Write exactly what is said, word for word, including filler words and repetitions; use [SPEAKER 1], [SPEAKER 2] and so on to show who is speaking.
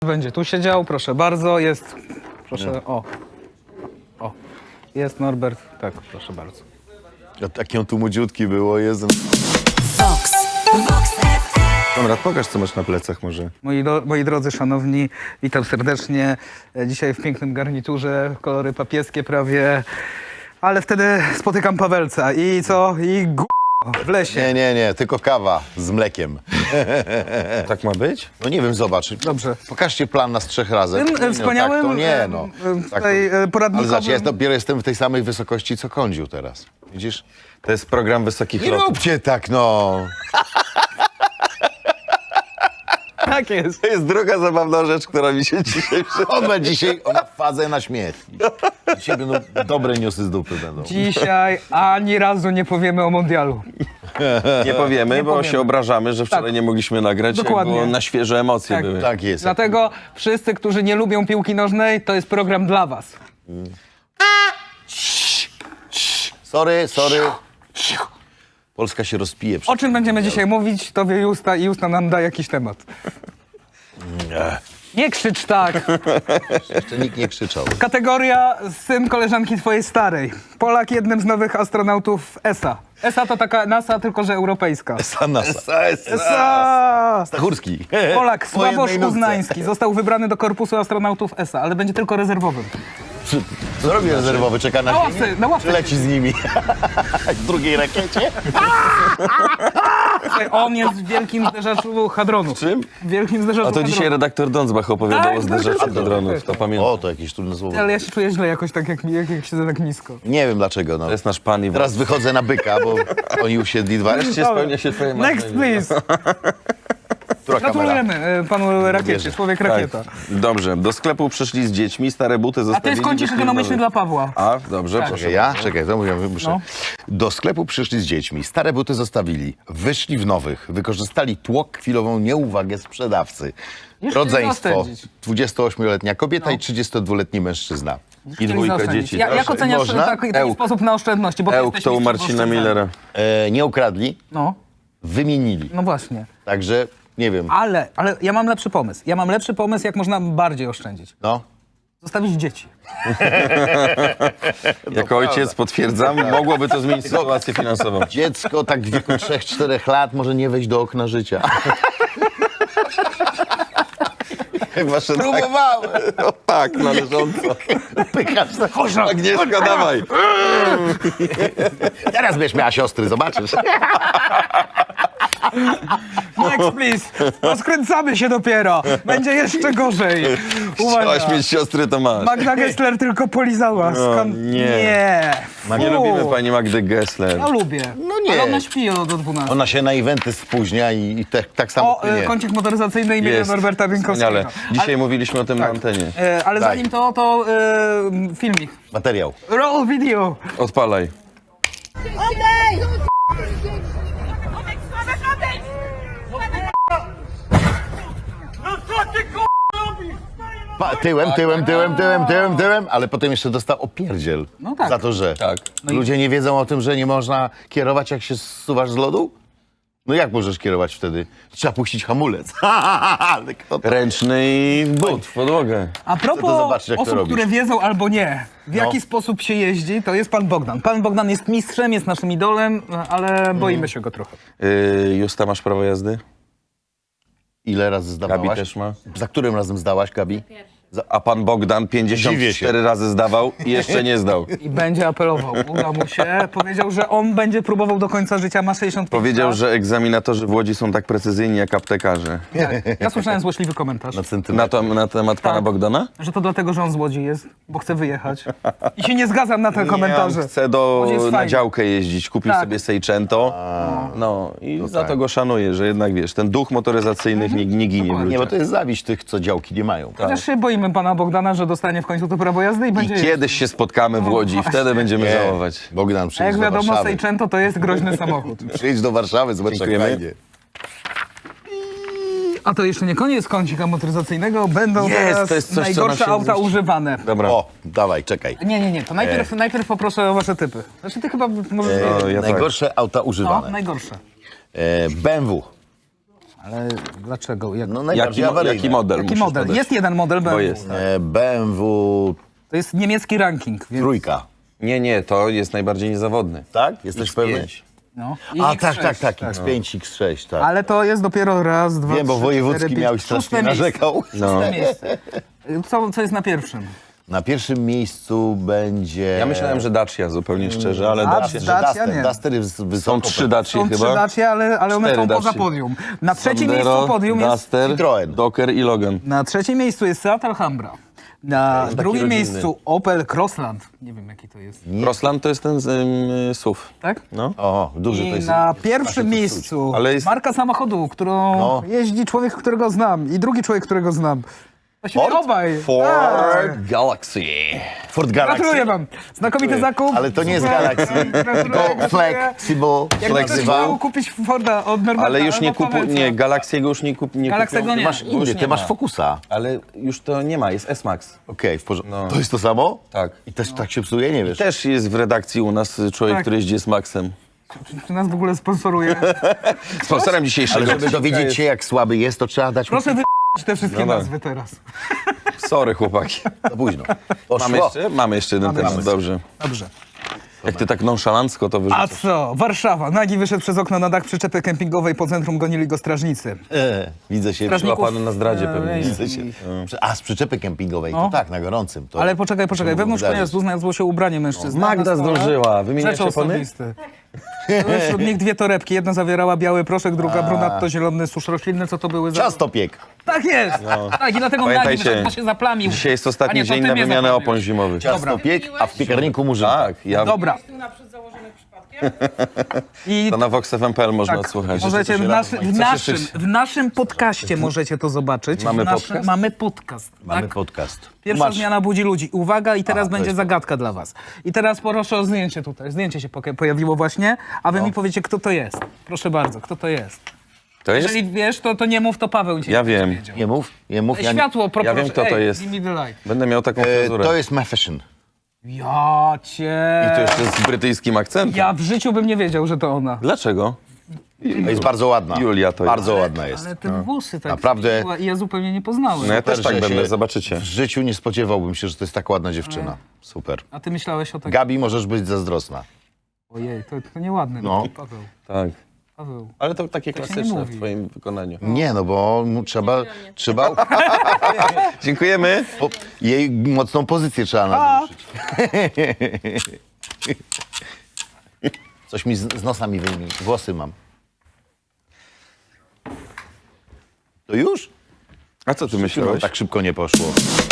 [SPEAKER 1] Będzie tu siedział, proszę bardzo, jest, proszę, o, o, jest Norbert, tak, proszę bardzo.
[SPEAKER 2] A taki on tu młodziutki było, jest.
[SPEAKER 3] Vox. Vox F M.
[SPEAKER 2] Konrad, pokaż, co masz na plecach może.
[SPEAKER 1] Moi, do, moi drodzy, szanowni, witam serdecznie, e, dzisiaj w pięknym garniturze, kolory papieskie prawie, ale wtedy spotykam Pawelca i co, i g... w lesie.
[SPEAKER 2] Nie, nie, nie, tylko kawa z mlekiem.
[SPEAKER 4] Tak ma być?
[SPEAKER 2] No nie wiem, zobacz.
[SPEAKER 1] Dobrze.
[SPEAKER 2] Pokażcie plan nas trzech razem.
[SPEAKER 1] Tym, e,
[SPEAKER 2] No,
[SPEAKER 1] wspaniałym,
[SPEAKER 2] tak to nie,
[SPEAKER 1] e,
[SPEAKER 2] no.
[SPEAKER 1] e,
[SPEAKER 2] Tak
[SPEAKER 1] tutaj,
[SPEAKER 2] to...
[SPEAKER 1] e, poradnikowym-
[SPEAKER 2] Ale zobacz, ja dopiero jestem w tej samej wysokości, co Kądziu teraz. Widzisz?
[SPEAKER 4] To jest program wysokich
[SPEAKER 2] Nie
[SPEAKER 4] lotów.
[SPEAKER 2] róbcie tak, no.
[SPEAKER 1] Tak jest.
[SPEAKER 4] To jest druga zabawna rzecz, która mi się dzisiaj
[SPEAKER 2] On ma dzisiaj on ma fazę na śmiech. Dzisiaj będą dobre newsy z dupy będą.
[SPEAKER 1] Dzisiaj ani razu nie powiemy o mundialu.
[SPEAKER 4] nie powiemy,
[SPEAKER 1] Nie
[SPEAKER 4] bo
[SPEAKER 1] powiemy.
[SPEAKER 4] się obrażamy, że wczoraj
[SPEAKER 1] Tak.
[SPEAKER 4] nie mogliśmy nagrać,
[SPEAKER 1] Dokładnie.
[SPEAKER 4] bo na świeże emocje
[SPEAKER 1] Tak.
[SPEAKER 4] były.
[SPEAKER 2] Tak jest.
[SPEAKER 1] Dlatego wszyscy, którzy nie lubią piłki nożnej, to jest program dla was.
[SPEAKER 2] Sorry, sorry. Polska się rozpije.
[SPEAKER 1] O czym będziemy dzisiaj mówić, to wie Justa i Justa nam da jakiś temat. Nie krzycz tak.
[SPEAKER 2] Jeszcze nikt nie krzyczał.
[SPEAKER 1] Kategoria syn koleżanki twojej starej. Polak jednym z nowych astronautów E S A. E S A to taka NASA, tylko że europejska.
[SPEAKER 2] Sanasa.
[SPEAKER 1] E S A!
[SPEAKER 2] Stachurski.
[SPEAKER 1] Polak
[SPEAKER 2] Po jednej
[SPEAKER 1] Sławosz
[SPEAKER 2] nutce.
[SPEAKER 1] Uznański został wybrany do korpusu astronautów E S A, ale będzie tylko rezerwowym.
[SPEAKER 2] Co robi rezerwowy? Czeka na
[SPEAKER 1] Na
[SPEAKER 2] ziemię?
[SPEAKER 1] ławce, na ławce.
[SPEAKER 2] Czy leci z nimi? W drugiej rakiecie?
[SPEAKER 1] Słuchaj, on jest w wielkim zderzaczu hadronów.
[SPEAKER 4] Czym?
[SPEAKER 1] W wielkim zderzaczu
[SPEAKER 4] A to dzisiaj
[SPEAKER 1] hadronów.
[SPEAKER 4] redaktor Dądzbach opowiadał
[SPEAKER 1] Tak,
[SPEAKER 4] o
[SPEAKER 1] tak,
[SPEAKER 4] zderzeniu
[SPEAKER 1] tak, tak,
[SPEAKER 4] dronów,
[SPEAKER 1] tak.
[SPEAKER 4] to pamiętam.
[SPEAKER 2] O, to jakieś trudne słowo.
[SPEAKER 1] Ale ja się czuję źle jakoś tak, jak, jak, jak siedzę tak nisko.
[SPEAKER 2] Nie wiem dlaczego, no.
[SPEAKER 4] To jest nasz pan i
[SPEAKER 2] Teraz wychodzę na byka, bo oni usiedli dwa.
[SPEAKER 4] Wreszcie spełnia się twoje marzenie.
[SPEAKER 1] Next, please.
[SPEAKER 2] Która kamera?
[SPEAKER 1] Gratulujemy e, panu rakiecie,
[SPEAKER 2] Wierzę.
[SPEAKER 1] człowiek
[SPEAKER 4] Tak.
[SPEAKER 1] rakieta.
[SPEAKER 4] Dobrze, do sklepu przyszli z dziećmi, stare buty
[SPEAKER 1] A
[SPEAKER 4] zostawili.
[SPEAKER 1] to jest kącik
[SPEAKER 4] wyszli
[SPEAKER 1] ekonomiczny
[SPEAKER 4] nowe.
[SPEAKER 1] dla Pawła.
[SPEAKER 4] A, dobrze,
[SPEAKER 1] Tak.
[SPEAKER 4] proszę.
[SPEAKER 2] Czekaj, ja? Czekaj, to mówię, muszę.
[SPEAKER 1] No.
[SPEAKER 2] Do sklepu przyszli z dziećmi, stare buty zostawili, wyszli w nowych, wykorzystali tłok, chwilową nieuwagę sprzedawcy.
[SPEAKER 1] Już
[SPEAKER 2] Rodzeństwo,
[SPEAKER 1] chcieli zaoszczędzić.
[SPEAKER 2] dwudziestoośmioletnia kobieta i trzydziestodwuletni mężczyzna.
[SPEAKER 4] I
[SPEAKER 1] Chcieli
[SPEAKER 4] dwójka
[SPEAKER 1] zaoszczędzić.
[SPEAKER 4] dzieci.
[SPEAKER 1] Ja, jak
[SPEAKER 4] Proszę.
[SPEAKER 1] oceniasz
[SPEAKER 2] Można?
[SPEAKER 1] taki, taki
[SPEAKER 4] Ełk.
[SPEAKER 1] sposób na oszczędności? Bo ty
[SPEAKER 4] Ełk
[SPEAKER 1] jesteś
[SPEAKER 4] to u
[SPEAKER 1] mistrzem
[SPEAKER 4] Marcina
[SPEAKER 1] oszczędzania.
[SPEAKER 4] Millera.
[SPEAKER 2] E, nie ukradli,
[SPEAKER 1] No,
[SPEAKER 2] wymienili.
[SPEAKER 1] no właśnie.
[SPEAKER 2] Także, nie wiem,
[SPEAKER 1] Ale, ale ja mam lepszy pomysł. Ja mam lepszy pomysł, jak można bardziej oszczędzić.
[SPEAKER 2] no.
[SPEAKER 1] Zostawić dzieci.
[SPEAKER 4] Jako ojciec potwierdzam, mogłoby to zmienić sytuację finansową.
[SPEAKER 2] Dziecko tak w wieku trzech czterech lat może nie wejść do okna życia.
[SPEAKER 4] Chyba, że tak.
[SPEAKER 2] Próbowałem.
[SPEAKER 4] No tak, należąco.
[SPEAKER 2] Pykasz na chodź,
[SPEAKER 4] Agnieszka, dawaj.
[SPEAKER 2] Teraz będziesz miała siostry, zobaczysz.
[SPEAKER 1] Next, please. Rozkręcamy się dopiero. Będzie jeszcze gorzej. Uwaga.
[SPEAKER 4] Chciałaś mieć siostry, to masz.
[SPEAKER 1] Magda Gessler tylko polizała. Skąd?
[SPEAKER 4] nie.
[SPEAKER 1] Nie.
[SPEAKER 4] Nie
[SPEAKER 1] Fu.
[SPEAKER 4] lubimy pani Magdy Gessler.
[SPEAKER 1] Ja lubię.
[SPEAKER 2] No nie.
[SPEAKER 1] Ale ona śpi do dwunastej.
[SPEAKER 2] Ona się na eventy spóźnia i, i te, tak samo
[SPEAKER 1] O, e,
[SPEAKER 2] nie.
[SPEAKER 1] kącik motoryzacyjny imienia
[SPEAKER 4] Jest.
[SPEAKER 1] Norberta Bieńkowskiego.
[SPEAKER 4] Wspaniale. Dzisiaj mówiliśmy o tym na antenie.
[SPEAKER 1] E, ale
[SPEAKER 2] Daj.
[SPEAKER 1] zanim to, to e, filmik.
[SPEAKER 2] Materiał.
[SPEAKER 1] Roll video.
[SPEAKER 4] Odpalaj.
[SPEAKER 5] Odejdź! Odejdź, Sławek, odejdź! No co ty k***a robisz?
[SPEAKER 2] Pa, tyłem, tyłem, tyłem, tyłem, tyłem, tyłem, ale potem jeszcze dostał opierdziel.
[SPEAKER 1] No tak.
[SPEAKER 2] Za to, że
[SPEAKER 4] Tak.
[SPEAKER 2] ludzie nie wiedzą o tym, że nie można kierować, jak się zsuwasz z lodu? No jak możesz kierować wtedy? Trzeba puścić hamulec. Ale kto to...
[SPEAKER 4] Ręczny i but w podłogę.
[SPEAKER 1] A
[SPEAKER 2] Chcę to
[SPEAKER 1] propos
[SPEAKER 2] zobaczyć, jak to
[SPEAKER 1] osób,
[SPEAKER 2] robisz.
[SPEAKER 1] które wiedzą albo nie, w
[SPEAKER 2] No.
[SPEAKER 1] jaki sposób się jeździ, to jest pan Bogdan. Pan Bogdan jest mistrzem, jest naszym idolem, ale boimy się go trochę.
[SPEAKER 4] Yy, Justa, masz prawo jazdy?
[SPEAKER 2] Ile razy zdawałaś?
[SPEAKER 4] Gabi też ma.
[SPEAKER 2] Za którym razem zdałaś, Gabi?
[SPEAKER 4] A pan Bogdan pięćdziesiąt cztery razy zdawał i jeszcze nie zdał.
[SPEAKER 1] I będzie apelował. Uda mu się. Powiedział, że on będzie próbował do końca życia, ma sześćdziesiąt pięć
[SPEAKER 4] Powiedział,
[SPEAKER 1] lat.
[SPEAKER 4] że egzaminatorzy w Łodzi są tak precyzyjni jak aptekarze.
[SPEAKER 1] Tak. Ja słyszałem złośliwy komentarz,
[SPEAKER 2] Na
[SPEAKER 4] Na,
[SPEAKER 2] centymetr.
[SPEAKER 4] to, na temat pana
[SPEAKER 1] Tak.
[SPEAKER 4] Bogdana?
[SPEAKER 1] że to dlatego, że on z Łodzi jest, bo chce wyjechać. I się nie zgadzam na te komentarze.
[SPEAKER 4] Nie, on chce do,
[SPEAKER 1] Łódź jest
[SPEAKER 4] na
[SPEAKER 1] fajna.
[SPEAKER 4] działkę jeździć, kupił
[SPEAKER 1] Tak.
[SPEAKER 4] sobie Seicento. No i za
[SPEAKER 2] tak.
[SPEAKER 4] to go szanuję, że jednak wiesz, ten duch motoryzacyjnych nie, nie ginie w
[SPEAKER 2] Nie, bo
[SPEAKER 4] ludziach.
[SPEAKER 2] to jest zawiść tych, co działki nie mają.
[SPEAKER 1] Chociaż się boimy pana Bogdana, że dostanie w końcu to prawo jazdy i
[SPEAKER 4] I
[SPEAKER 1] będzie jeździć.
[SPEAKER 4] kiedyś się spotkamy w Łodzi i wtedy będziemy
[SPEAKER 2] Nie.
[SPEAKER 4] żałować.
[SPEAKER 2] Bogdan,
[SPEAKER 1] A
[SPEAKER 2] przyjdź
[SPEAKER 1] jak
[SPEAKER 2] do
[SPEAKER 1] wiadomo,
[SPEAKER 2] Warszawy.
[SPEAKER 1] Seicento to jest groźny samochód.
[SPEAKER 2] Przyjdź do Warszawy, zobacz jak
[SPEAKER 4] Dziękujemy.
[SPEAKER 2] fajnie.
[SPEAKER 1] A to jeszcze nie koniec kącika motoryzacyjnego. Będą
[SPEAKER 4] Jest,
[SPEAKER 1] teraz
[SPEAKER 4] to jest coś, co
[SPEAKER 1] najgorsze
[SPEAKER 4] nam się
[SPEAKER 1] auta
[SPEAKER 4] zmieści.
[SPEAKER 1] używane.
[SPEAKER 4] Dobra.
[SPEAKER 2] O, dawaj, czekaj.
[SPEAKER 1] Nie, nie, nie. To najpierw, najpierw poproszę o wasze typy. Znaczy ty chyba możesz...
[SPEAKER 4] O, ja tak.
[SPEAKER 2] Najgorsze auta
[SPEAKER 1] no,
[SPEAKER 2] używane.
[SPEAKER 1] najgorsze.
[SPEAKER 2] E, B M W.
[SPEAKER 1] Ale dlaczego? Jak,
[SPEAKER 2] No
[SPEAKER 4] Jaki,
[SPEAKER 2] najbardziej
[SPEAKER 4] mo-
[SPEAKER 2] awaryjne.
[SPEAKER 4] jaki model?
[SPEAKER 1] jaki
[SPEAKER 4] musisz
[SPEAKER 1] model?
[SPEAKER 4] podać?
[SPEAKER 1] Jest jeden model B M W.
[SPEAKER 4] jest.
[SPEAKER 2] E, B M W
[SPEAKER 1] To jest niemiecki ranking. Więc,
[SPEAKER 2] trójka.
[SPEAKER 4] Nie, nie, to jest najbardziej niezawodny.
[SPEAKER 2] Tak? Jesteś
[SPEAKER 4] X
[SPEAKER 2] pewny?
[SPEAKER 4] pięć.
[SPEAKER 1] no.
[SPEAKER 2] A
[SPEAKER 1] I
[SPEAKER 2] tak,
[SPEAKER 1] X sześć.
[SPEAKER 2] tak, tak, X pięć, X sześć, tak.
[SPEAKER 1] Ale to jest dopiero raz, dwa,
[SPEAKER 2] Wiem, bo
[SPEAKER 1] trzy,
[SPEAKER 2] wojewódzki
[SPEAKER 1] cztery, pięć,
[SPEAKER 2] miał i
[SPEAKER 1] szóste
[SPEAKER 2] strasznie
[SPEAKER 1] miejsce.
[SPEAKER 2] narzekał.
[SPEAKER 4] No.
[SPEAKER 1] Szóste miejsce. Co, co jest na pierwszym?
[SPEAKER 2] Na pierwszym miejscu będzie...
[SPEAKER 4] Ja myślałem, że Dacia, zupełnie szczerze, ale
[SPEAKER 1] A,
[SPEAKER 4] Dacia.
[SPEAKER 2] że
[SPEAKER 1] Dacia
[SPEAKER 2] Duster,
[SPEAKER 1] nie.
[SPEAKER 2] Duster jest wysoko.
[SPEAKER 4] Są trzy Dacie
[SPEAKER 1] Są trzy
[SPEAKER 4] chyba.
[SPEAKER 1] Dacie, ale, ale one
[SPEAKER 4] Cztery
[SPEAKER 1] są poza
[SPEAKER 4] Dacie.
[SPEAKER 1] podium. Na trzecim
[SPEAKER 4] Sandero,
[SPEAKER 1] miejscu podium jest...
[SPEAKER 4] Duster,
[SPEAKER 2] Citroen.
[SPEAKER 4] Docker i Logan.
[SPEAKER 1] Na trzecim miejscu jest Seat Alhambra. Na
[SPEAKER 4] taki
[SPEAKER 1] drugim
[SPEAKER 4] rodzinny.
[SPEAKER 1] miejscu Opel Crossland. Nie wiem, jaki to jest.
[SPEAKER 4] Crossland to jest ten z ym, S U V.
[SPEAKER 1] Tak?
[SPEAKER 4] No.
[SPEAKER 2] O, duży to
[SPEAKER 1] I
[SPEAKER 2] jest.
[SPEAKER 1] na pierwszym miejscu
[SPEAKER 4] Ale jest-
[SPEAKER 1] marka samochodu, którą
[SPEAKER 2] No.
[SPEAKER 1] jeździ człowiek, którego znam i drugi człowiek, którego znam. Właściwie
[SPEAKER 2] Ford?
[SPEAKER 1] obaj.
[SPEAKER 4] Ford
[SPEAKER 1] Tak.
[SPEAKER 4] Galaxy.
[SPEAKER 2] Ford Galaxy.
[SPEAKER 1] Gratuluję wam. Znakomity zakup.
[SPEAKER 2] Ale to nie jest
[SPEAKER 1] Super.
[SPEAKER 2] Galaxy,
[SPEAKER 1] Gratuluję,
[SPEAKER 2] tylko
[SPEAKER 1] gratuluję.
[SPEAKER 2] Flexible.
[SPEAKER 1] Jak ktoś
[SPEAKER 2] Flexible.
[SPEAKER 1] chciał kupić Forda od Norberta,
[SPEAKER 4] Ale już nie
[SPEAKER 1] albo
[SPEAKER 4] kupuj,
[SPEAKER 1] Pawełca.
[SPEAKER 4] nie, Galaxiego już nie, kup, nie
[SPEAKER 1] Galaxiego
[SPEAKER 4] kupią.
[SPEAKER 1] nie.
[SPEAKER 4] Masz
[SPEAKER 2] Inny,
[SPEAKER 4] inny,
[SPEAKER 2] ty masz Focusa.
[SPEAKER 4] Ale już to nie ma, jest S-Max.
[SPEAKER 2] Okej, w porządku.
[SPEAKER 4] No.
[SPEAKER 2] To jest to samo?
[SPEAKER 4] Tak.
[SPEAKER 2] I też tak się psuje, nie wiesz?
[SPEAKER 4] Też jest w redakcji u nas człowiek,
[SPEAKER 1] Tak.
[SPEAKER 4] który jeździ z Maxem.
[SPEAKER 1] Czy nas w ogóle sponsoruje?
[SPEAKER 4] Sponsorem dzisiejszego
[SPEAKER 2] Ale żeby
[SPEAKER 4] odcinka
[SPEAKER 2] dowiedzieć
[SPEAKER 4] jest-
[SPEAKER 2] się, jak słaby jest, to trzeba dać mu
[SPEAKER 1] Proszę wy... te wszystkie
[SPEAKER 4] No tak.
[SPEAKER 1] nazwy teraz.
[SPEAKER 4] Sorry, chłopaki.
[SPEAKER 2] za późno. Poszło.
[SPEAKER 4] Mamy jeszcze? Mamy jeszcze jeden
[SPEAKER 1] Mamy
[SPEAKER 4] temat,
[SPEAKER 1] jeszcze.
[SPEAKER 4] dobrze.
[SPEAKER 1] Dobrze.
[SPEAKER 4] Jak ty tak nonszalancko to
[SPEAKER 1] A
[SPEAKER 4] wyrzucasz.
[SPEAKER 1] co? Warszawa. Nagi wyszedł przez okno na dach przyczepy kempingowej. Po centrum gonili go strażnicy.
[SPEAKER 2] E, widzę się.
[SPEAKER 1] Strażników-
[SPEAKER 4] Łapany na zdradzie
[SPEAKER 1] e,
[SPEAKER 4] pewnie.
[SPEAKER 1] ej.
[SPEAKER 2] Widzę się. A, z przyczepy kempingowej,
[SPEAKER 1] No.
[SPEAKER 2] to tak, na gorącym. To
[SPEAKER 1] Ale poczekaj, poczekaj.
[SPEAKER 2] to
[SPEAKER 1] Wewnątrz
[SPEAKER 2] wydarzyć.
[SPEAKER 1] pojazdu znalazło się ubranie mężczyzny.
[SPEAKER 4] Magda
[SPEAKER 1] Na stole
[SPEAKER 4] zdążyła. Wymieniacie
[SPEAKER 1] Rzeczy
[SPEAKER 4] opony?
[SPEAKER 1] osobiste. Były wśród nich dwie torebki. Jedna zawierała biały proszek, druga brunatto zielony susz roślinny. Co to były za...
[SPEAKER 2] Ciastopiek.
[SPEAKER 1] Tak jest! Tak, i dlatego Nagi
[SPEAKER 4] Pamiętajcie,
[SPEAKER 1] wyszedł, bo się zaplamił.
[SPEAKER 4] Dzisiaj jest
[SPEAKER 1] A
[SPEAKER 4] ostatni
[SPEAKER 1] nie, to
[SPEAKER 4] dzień
[SPEAKER 1] ty
[SPEAKER 4] na
[SPEAKER 1] mnie
[SPEAKER 4] wymianę
[SPEAKER 1] zaplamiłeś.
[SPEAKER 4] opon zimowych.
[SPEAKER 2] Ciastopiek, a w piekarniku murzynka.
[SPEAKER 4] Tak, ja,
[SPEAKER 1] Dobra. I
[SPEAKER 4] to na vox f m kropka p l można
[SPEAKER 1] tak,
[SPEAKER 4] odsłuchać.
[SPEAKER 1] możecie w, naszy, w,
[SPEAKER 4] Coś
[SPEAKER 1] naszym,
[SPEAKER 4] jeszcze-
[SPEAKER 1] w naszym podcaście możecie to zobaczyć.
[SPEAKER 4] Mamy
[SPEAKER 1] w naszym,
[SPEAKER 4] podcast?
[SPEAKER 1] Mamy podcast.
[SPEAKER 2] Mamy
[SPEAKER 1] tak?
[SPEAKER 2] podcast.
[SPEAKER 1] Pierwsza
[SPEAKER 2] Masz.
[SPEAKER 1] zmiana budzi ludzi. Uwaga, i teraz
[SPEAKER 2] to
[SPEAKER 1] będzie
[SPEAKER 2] jest-
[SPEAKER 1] zagadka dla was. I teraz proszę o zdjęcie tutaj. Zdjęcie się poka- pojawiło właśnie, a wy
[SPEAKER 2] No.
[SPEAKER 1] mi powiecie, kto to jest. Proszę bardzo, kto to jest.
[SPEAKER 4] To jest?
[SPEAKER 1] Jeżeli wiesz, to, to nie mów, to Paweł ci
[SPEAKER 4] Ja wiem.
[SPEAKER 1] powiedział.
[SPEAKER 2] Nie mów, nie mów. Ja nie...
[SPEAKER 1] Światło, pro,
[SPEAKER 4] Ja wiem,
[SPEAKER 1] proszę.
[SPEAKER 4] kto to
[SPEAKER 1] Ej,
[SPEAKER 4] jest.
[SPEAKER 1] give me the light.
[SPEAKER 4] Będę miał taką
[SPEAKER 2] e,
[SPEAKER 4] fryzurę.
[SPEAKER 2] to jest Mafashion.
[SPEAKER 1] Ja cię...
[SPEAKER 4] I to jeszcze z brytyjskim akcentem.
[SPEAKER 1] Ja w życiu bym nie wiedział, że to ona.
[SPEAKER 4] Dlaczego?
[SPEAKER 2] To jest bardzo ładna.
[SPEAKER 4] Julia to jest.
[SPEAKER 2] Bardzo ładna jest.
[SPEAKER 1] Ale te włosy tak
[SPEAKER 2] Naprawdę-
[SPEAKER 1] zmieniła i ja zupełnie nie poznałem.
[SPEAKER 4] No ja też
[SPEAKER 2] Super,
[SPEAKER 4] tak
[SPEAKER 2] że
[SPEAKER 4] będę,
[SPEAKER 2] się-
[SPEAKER 4] zobaczycie.
[SPEAKER 2] W życiu nie spodziewałbym się, że to jest tak ładna dziewczyna. Super.
[SPEAKER 1] A ty myślałeś o tak...
[SPEAKER 2] Gabi, możesz być zazdrosna.
[SPEAKER 1] Ojej, to, to nieładne.
[SPEAKER 2] No.
[SPEAKER 1] Paweł,
[SPEAKER 4] Tak.
[SPEAKER 1] Paweł.
[SPEAKER 4] Ale to takie
[SPEAKER 1] się nie
[SPEAKER 4] klasyczne
[SPEAKER 1] mówi.
[SPEAKER 4] w twoim wykonaniu.
[SPEAKER 2] Nie, no bo mu trzeba, trzeba
[SPEAKER 4] Dziękujemy.
[SPEAKER 2] po, jej mocną pozycję trzeba naruszyć. Coś mi z, z nosa mi wyjmie. Włosy mam. To już?
[SPEAKER 4] A co ty
[SPEAKER 2] Chyba
[SPEAKER 4] myślałeś?
[SPEAKER 2] tak szybko nie poszło.